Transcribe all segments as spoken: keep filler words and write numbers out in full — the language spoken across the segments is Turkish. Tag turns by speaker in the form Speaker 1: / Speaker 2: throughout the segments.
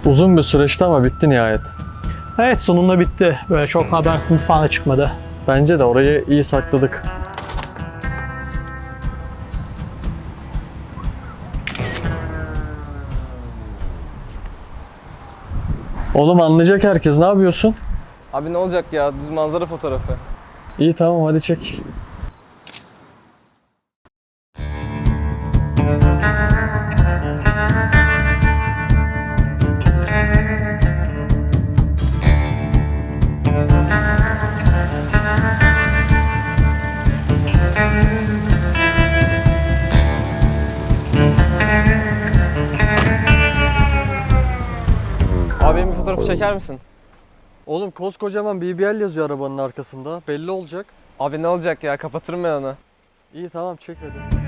Speaker 1: Uzun bir süreçti ama bitti nihayet.
Speaker 2: Evet, sonunda bitti. Böyle çok haber sınıf falan da çıkmadı.
Speaker 1: Bence de orayı iyi sakladık. Oğlum anlayacak herkes, ne yapıyorsun?
Speaker 3: Abi ne olacak ya? Düz manzara fotoğrafı.
Speaker 1: İyi tamam, hadi çek.
Speaker 3: Abi benim bir fotoğrafı çeker misin?
Speaker 1: Oğlum koskocaman B B L yazıyor arabanın arkasında. Belli olacak.
Speaker 3: Abi ne olacak ya? Kapatırım ben onu.
Speaker 1: İyi tamam, çek hadi.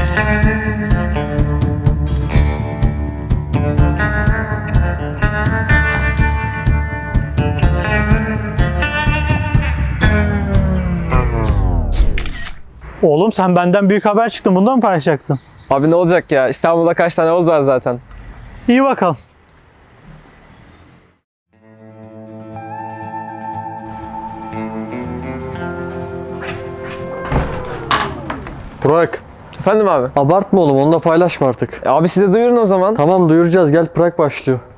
Speaker 2: Oğlum sen benden büyük haber çıktın. Bundan mı paylaşacaksın?
Speaker 3: Abi ne olacak ya? İstanbul'da kaç tane Oğuz var zaten.
Speaker 2: İyi bakalım.
Speaker 1: Burak,
Speaker 3: Efendim abi?
Speaker 1: abartma oğlum, onu da paylaşma artık.
Speaker 3: E abi size duyurun o zaman.
Speaker 1: Tamam duyuracağız, gel, Prag başlıyor.